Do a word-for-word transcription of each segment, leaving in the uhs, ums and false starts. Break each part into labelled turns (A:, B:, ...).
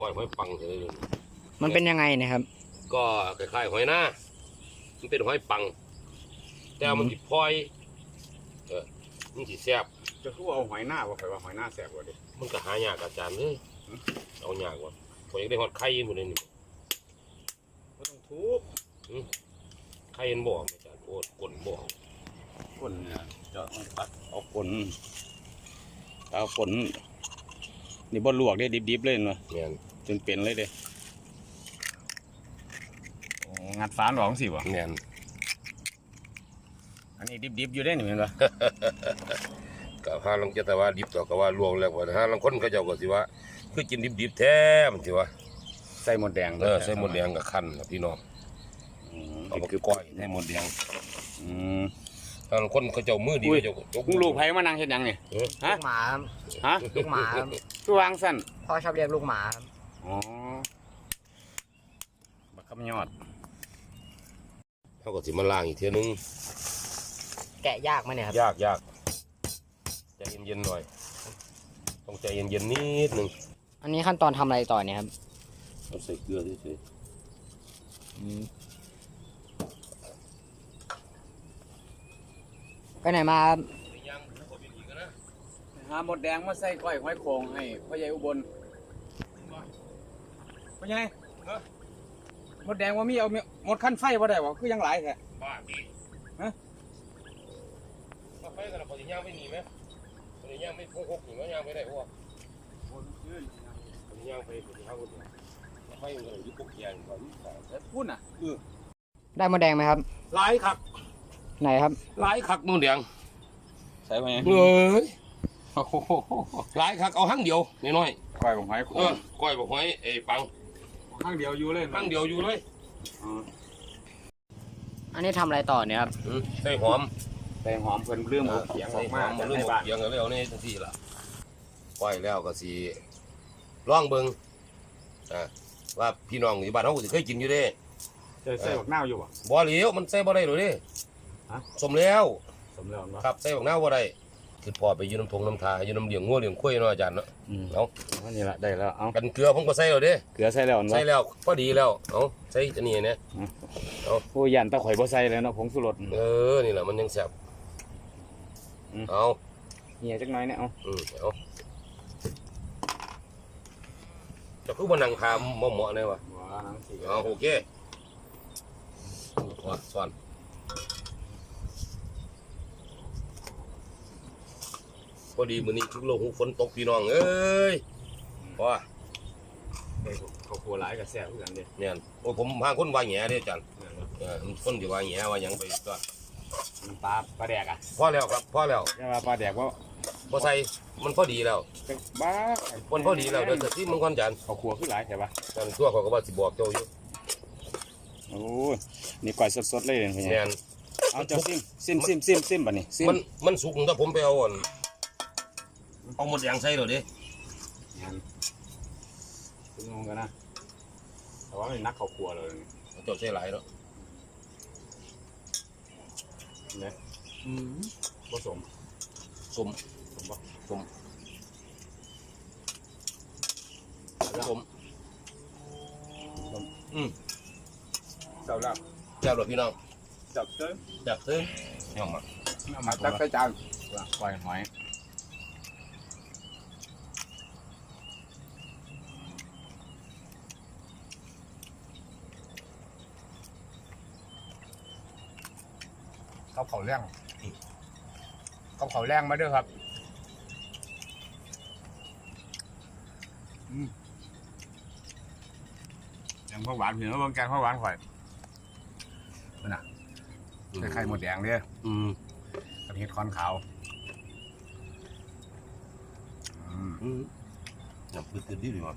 A: หอยหอยปังเลย
B: มันเป็นยังไงนะครับ
A: ก็คล้ายๆหอยหน้ามันเป็นหอยปังแต่มันติดพลอยเออมันติดแซ่บ
C: จะคือเอาหอยหน้าว่าใครว่าหอยหน้าแสบกว่าดิ
A: มันก็หายากอาจารย์เลยเอายากกว่าผมอยากได้หอดไข่หมดเลยนี่
C: ก็ต้องทุบ
A: ไข่ยันบ่อาจารย์โอ้กลนบ่
C: ก้นเนี่ยจะตัดเอาก้นเอาก้นนี่บ่ลวกได้ดิบๆเลยเนาะ
A: เนี่ย
C: จนเป็นเลยเด้งัดฟ้านหรองสิวะ
A: เนี่ย
C: อันนี้ดิบๆอยู่ได้หนิเห็นปะ
A: กับฮาลังจะแต่ว่าดิบต่อกับว่าลวงแล้วว่าฮาลังคนเขาเจ้าก็สิว่าคือกินดิบๆแท้มันสิว่า
C: ใส่หมดแดง
A: เออใส่หมดแดงกับขั้นพี่น้องเอาไปก้อยใส่หมดแดงฮาลังคนเขาเจ้ามือดีเขาเจ้า
C: จกลูกไผ่มานั่งเห็นยังนี่
B: ฮะลูกหมา
C: ฮะ
B: ลูกหมา
C: คือวางสั้น
B: พ่อชอบเรียกลูกหมาครับ
C: อ๋อบักคำยอด
A: เขาก็สิมาล้างอีกเทีนึง
B: แกะยากไหมเนี่ยครับ
A: ยากยากใจเย็นๆหน่อยต้องใจเย็นๆนิดนึง
B: อันนี้ขั้นตอนทำอะไรต่อเนี่ยครับ
A: เราใส่เกลือเฉย
B: ไปไหนมา
C: หาหมดแดงมาใส่ก้อยหอยโข่งให้พ่อใหญ่อุบลพ่อใหญ่หมดแดงว่ามีเอาหมดขั้นไฟว่าได้วะคือยังหลายแค่
A: บ้าดีฮะมาไฟกันเราพอจะย่างไม่หนีไหมพอจะย่างไม่พกพกหนีไหมย่างไม่ได้พวกพอจะย่างไปพอจะย่างคนเดียวไฟมันก็ยุบปุ๊บแยงก่อน
C: พูดน่ะเออ
B: ได้หมดแดงไหมครับ
A: หลายคัก
B: ไหนครับ
A: หลายคักหมดแดง
C: ใส่ไปไง
A: เอ้ยหลายคักเอาหั่งเดียวน้อย
C: ๆก้อยบอกหอย
A: เออก้อยบอกหอยไอ้ปัง
C: หั่งเดียวอยู่เลย
A: หั่งเดียวอยู่เลย
B: อันนี้ทำอะไรต่อเนี่ยครับ
A: ใส่หอม
C: ใส่หอมเพิ่นเรื่องหมกเขียงออกมา
A: เรื่องหมกเขียงแล้วนี่ทันทีละก้อยแล้วก็สีร่องเบิ้งว่าพี่น้องอยู่บ้านเขาเคยกินอยู่ดิ
C: ใส่บักนาวอยู่บ่
A: บ่เหลียวมันใส่บ่ได้หรอดิสมแล้ว
C: สมแล้ว
A: ครับใส่บักนาวบ่ได้คือพอไปยืนน้ำทงน้ำทายืนน้ำเลี้ยงงัวเลี้ยงควายเนาะอาจารย์เนาะเอา
C: อันนี้ละได้แล้วเอา
A: กันเกลือผมก็ใส่แล้วดิ
C: เกลือใส่แล้ว
A: ใส่แล้วพอดีแล้วเอาใส่อันนี้เนี่ย
C: เอาโอ้ยันตะข่อยบ่ใส่แล้วเนาะผงสุรส
A: เออนี่แหละมันยังแซ่บเอา
C: เหี่ยจักหน่อยเนี่ยเอา
A: อืมเอาจะคือมันนั่งทำเหมาะๆเลยวะเอาโอเคว่าสอนพอดีมื้อนี้ทุกโลกฝนตกพี่น้องเอ้ยว่า
C: เขาโคหลายกับแซ่บเหมือนกันเด้
A: เนี่ยโอ้ผมพาคนว่าแหง่เด้จันเออคนที่ว่าแหง่ว่าหยังไปก็
C: ปลาปลาแดกอ่ะ
A: พอแล้วครับพอแล้ว
C: ปลาแดกว่า
A: พอใส่มันพอดีแล้ว
C: บ้า
A: มันพอดีแล้วเดี๋ยวจะที่มึงก่อนจัน
C: เขาครัวขึ้นหลายใช่ปะ
A: จันทั่วเขาก็ว่าสิบอกเจ้าอยู่
C: โอ้นี่ก่อยสดๆเลย
A: เนี่ย
C: เอาเจ้าซิมซิมซิมซิมซิมป่ะนี่
A: มันมันสุกถ้าผมไปเอาอ่อนเอาหมดอย่างใส่เลยดิ
C: คุณงงกันนะแต่ว่าเป็นนักเขาครัวเลย
A: เจ้าใส่หลายแล้ว
C: เนี่ยผสม
A: สมสมสมสมอืม
C: เจ้าแล้ว
A: เจ้าหลวงพี่น้อง
C: จับเต้น
A: จับเต้นย่อมมา
C: มาจับใส่จานปล่อยหอยเขาเผาแรงเขาเผาแรงมาด้วยครับยังข้าวหวานเห็นว่าบางแกงข้าวหวานข่อยน่ะใส่ไข่หมดแดงเนี่ย
A: อืม
C: กระเทียมคอนขาว
A: อืมจับปืนดีดีมั้ง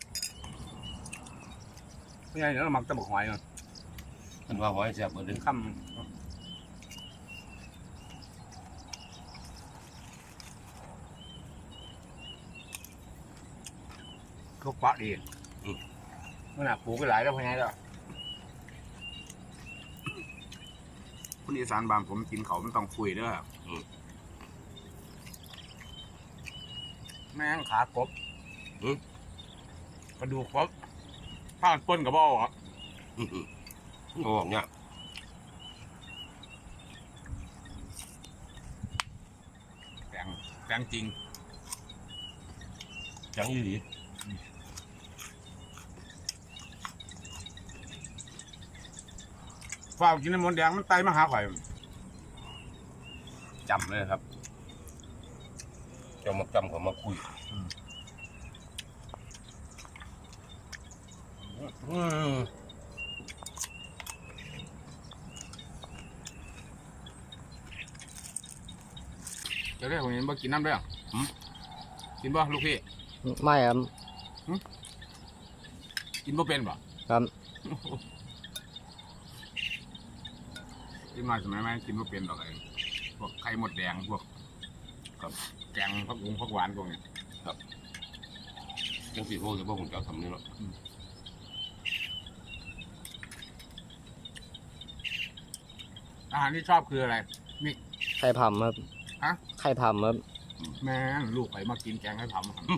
C: ไม่ใช่เดี๋ยวเราหมักตะบกหอยเนาะ
A: มันว่าหอยแซ่บเหมือนเดิม
C: ค่ำทุกปะดีมันหนักปูก็หลายแล้วพอไงแล้วคนอีสานบางผมกินเขามันต้องคุยด้วยแม่งขากบกระดูกครบข้าวป้นกับบ่อครับ
A: โอ้เนี่ย
C: แกงแกงจริง
A: จังยี่หลี
C: ฝ้าวกินน้ำมันแดงมันไตมาหาข่อยจำเลยครับ
A: จะมาจำเขามาคุยอืม
C: จะได้ผมเห็นบ่กินน้ำด้วยกินบ่ลูกพี่
B: ไม่ครับ
C: กินบ่เป็นบ่
B: ครับ
C: กินมาสมัยไหมกินบ่เป็นหรอกไอ้พวกไข่หมดแดงพวกกับแกงผักบุ้งผักหวานพวกนี้
A: จังสีพวกจะพวกผมจะทำนี่หรอก
C: อาหารที่ชอบคืออะไรมี
B: ไข่ผำครับ
C: ฮะ
B: ไข่ผำครับ
C: แม่งลูกไข่มากินแกงให้ทำครับ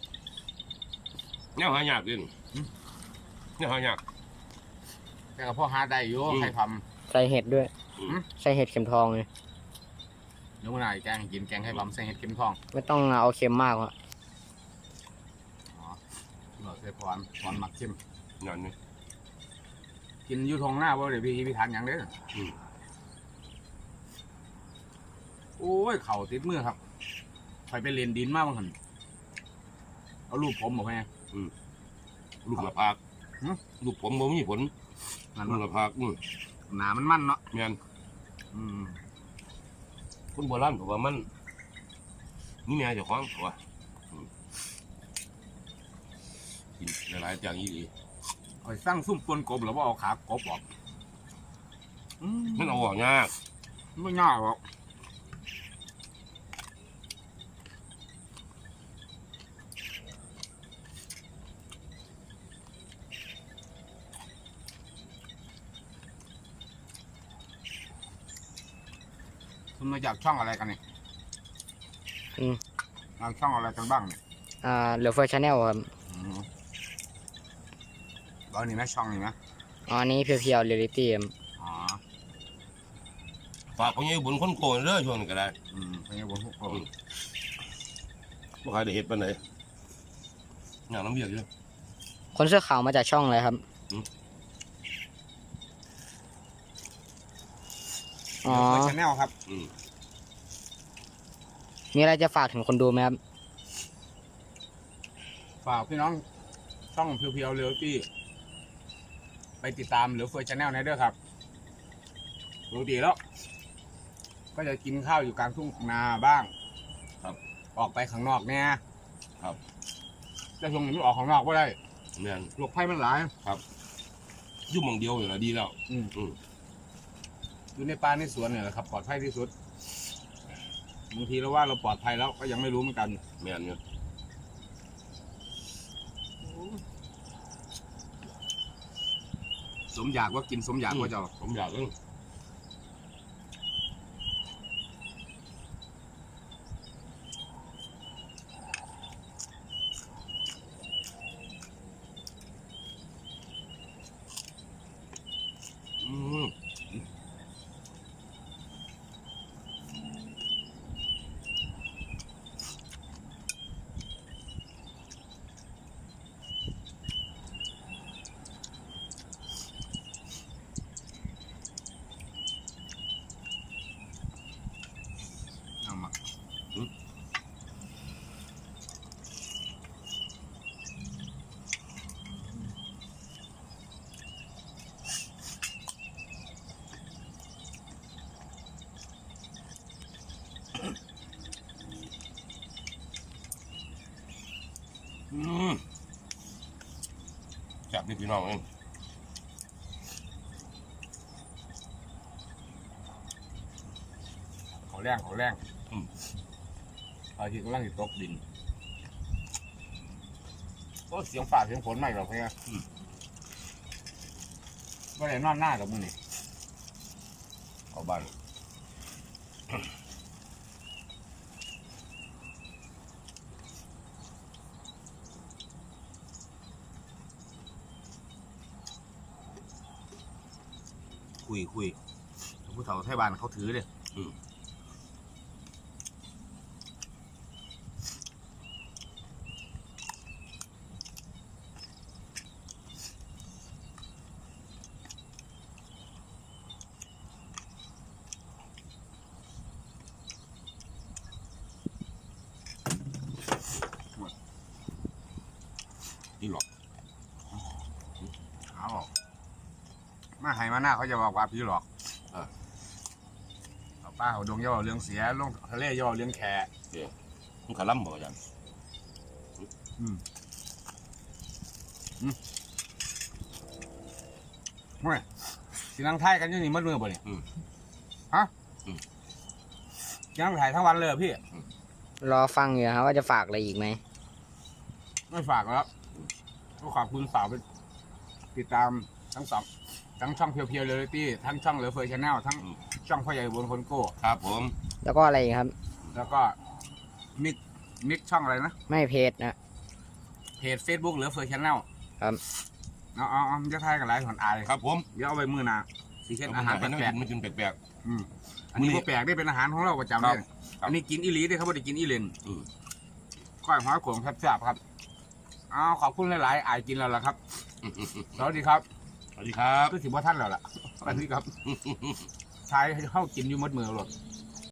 A: เนี่ยหายากดิเนี่ยหายาก
C: แต่กับพ่อหาได้อยู่
A: อืม
C: ไข่ท
B: ใส่เห็ดด้วย
A: อืม
B: ใส่เห็ดเข็มทองเลย
C: ำเดี๋ยววันไหนแกงให้กินแกงไข่ทำใส่เห็ดเข็มทอง
B: ไม่ต้องเอาเค็มมากวะ
C: อ๋อเราใส่พรพรมักเข้ม
A: งานนี้
C: กินอยู่ทงหน้าว่าเดี๋ยวพี่พี่ทานอย่างเด้ออ
A: ม
C: โอ้ยเข่าติดมือครับคอยไปเรียนดินมากบางคนเอารูปผมบอกไง
A: ลูกละพาก
C: หืม
A: ลูกผมบ่มีผล
C: นั่น
A: ลูก
C: ว่า
A: ละพากอืม
C: หนามันมันเนาะ
A: แม่น
C: อืม
A: คุณโบราณบอกว่ามันนี่แม่เจ้าของว่าอืมกินหลายๆอย่างยี่หลี
C: คอยสร้างซุ่มปนกบหรือว่าเอาขากบออกอืม
A: มันเอาออกยาก
C: ไม่ง่ายหรอกคุณมาจากช่องอะไรกันเนี่ย
B: อืม
C: ทางช่องอะไรกันบ้างเนี่ย
B: อ่าเหลือเฟอร์ชาแนลครับ
C: อืมแล้วนี่ไหมช่องนี่ไหม
B: อ๋ออันนี้เพียวๆเรียลิตี้ครับ
C: อ๋อ
A: ฝากพ่อใหญ่บุญคนโกนเด้อช่วงนี้ก็ได้
C: อืมเป็นไงบนพวกผม
A: บ่ใครได้เฮ็ดปานใดงานน้ำเบียกอยู่
B: คนเสื้อขาวมาจากช่องอะไรครับ
A: อืม
B: อ๋อ
C: ชาแนลครับ
A: อืม
B: มีอะไรจะฝากถึงคนดูไหมครับ
C: ฝากพี่น้องช่องเพียวๆเรียลตี้ไปติดตามเหลือเฟือชาแนลในเด้อครับปกติแล้ว ก็จะกินข้าวอยู่กลางทุ่งนาบ้าง
A: ครับ
C: ออกไปข้างนอกเนี่ย
A: ครับ
C: แต่ช่วงนี้ไม่ออกข้างนอกก็ได้
A: แม่น
C: โรคภัยมันหลาย
A: อยู่หม่องเดียวอยู่ละดีแล้ว
C: อืม
A: อืม
C: อยู่ในป่าในสวนเนี่ยแหละครับปลอดภัยที่สุดบางทีเราว่าเราปลอดภัยแล้วก็ยังไม่รู้เหมือนกัน
A: แม่นอยู่
C: สมอยากว่ากินสมอยากว่าจะ
A: ผมอยากเอิ้งอืม
C: เอามา
A: อืมจับนี่พี่น้องเอง
C: เขาแรงเขาแรงเอาที่กำลังจะตกดินก็เสียงฝ่าเสียงฝนไม่หรอกเพื่อนก็เลยนอนหน้ากับมึงนี่
A: เอาบ้านคุยคุย
C: ผู้เฒ่าไทยบ้านเขาถือเลย
A: อืมนี่หรอก
C: เอาบอกมาไห้มาหน้าเขาจะบอกว่าพี่หลอกเอาป้าเขาดงย่อเรื่องเสียลงทะเลย่อเรื่องแขก
A: มันขาล่ำบ่ยัง
C: อืมอืมเฮ้ยสินั่งไทยกันอยู่นี่มัดมือบ่เนี่ยฮะยังถ่ายทั้งวันเลยเหรอพี่
B: รอฟังอยู่ครับว่าจะฝากอะไรอีกไหม
C: ไม่ฝากแล้วก็ขอบคุณสาวไปติดตามทั้งสองทั้งช่องเพียวเพียวเรียลิตี้ทั้งช่องเหลือเฟยชาแนลทั้งช่องพ่อใหญ่บนคนโก้
A: ครับผม
B: แล้วก็อะไรอีกครับ
C: แล้วก็มิกมิกช่องอะไรนะ
B: ไม่เพจนะ
C: เพจ Facebook เหลือเฟยชาแนล
B: ครับ
C: เอาเอาเอาจะทายกันหลายคนอาย
A: ครับผม
C: เดี๋ยวเอาไปมือหนาสีเช่นอาหารแปลก
A: มันกินแปลก
C: ๆอืมอันนี้
A: มื้อนี้
C: ก็แปลกได้เป็นอาหารของเราประจำ
A: ครั
C: เล
A: บ
C: ย
A: ครับ
C: อันนี้กินอีหลีได้เขาไม่ได้กินอีเลน
A: ๆอืม
C: ก้อยหอยโขงแซ่บๆครับเอาขอบคุณหลายๆอายกินแล้วล่ะครับสวัสดีครับ
A: สวัสดีครับ
C: ก็ถือว่าท่านแล้วล่ะสวัสดีครับทายให้เข้ากินอยู่หมดมือหรอก
A: ค